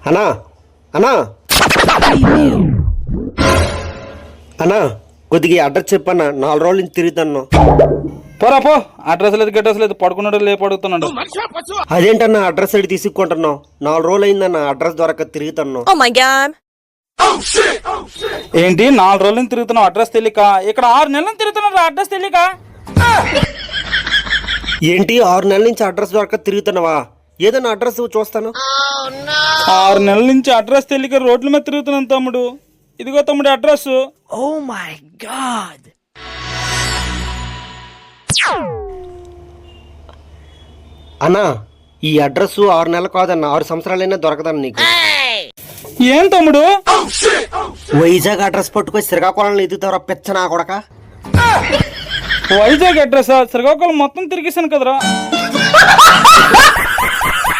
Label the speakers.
Speaker 1: అన్నా అన్నా అన్నా కొద్దిగా అడ్రస్ చెప్పన్నా, 4 రోజుల నుంచి తిరుగుతాను.
Speaker 2: పోరా పో, అడ్రస్ లేదు గడ్రస్ లేదు, పడుకున్నాడు లేపు అడుగుతున్నాడు.
Speaker 1: అదేంటన్నా అడ్రస్ అడిగి తీసుకుంటున్నావు? 4 రోజులు అయిందన్న అడ్రస్ దొరక తిరుగుతున్నావు.
Speaker 2: ఏంటి 4 రోజుల నుంచి తిరుగుతున్నావు అడ్రస్ తెలియక? ఇక్కడ 6 నెలల నుంచి తిరుగుతున్నాడు అడ్రస్ తెలియక.
Speaker 1: ఏంటి 6 నెలల నుంచి అడ్రస్ దొరక తిరుగుతున్నావా? ఏదన్నా అడ్రస్ చూస్తాను.
Speaker 2: 6 నెలల నుంచి అడ్రస్ తెలియక రోడ్ల మీద తిరుగుతున్నాను తమ్ముడు. ఇదిగో తమ్ముడు అడ్రస్.
Speaker 3: Oh my God.
Speaker 1: అన్నా ఈ అడ్రస్ 6 నెలలు కాదన్న, 6 సంవత్సరాలైనా దొరకదన్న నీకు.
Speaker 2: ఏం తమ్ముడు?
Speaker 1: వైజాగ్ అడ్రస్ పట్టుకొని శ్రీకాకుళంలో ఎదుగుతావరా పెచ్చ నా కొడక.
Speaker 2: వైజాగ్ అడ్రస్ శ్రీకాకుళం మొత్తం తిరిగేశాను కదరా.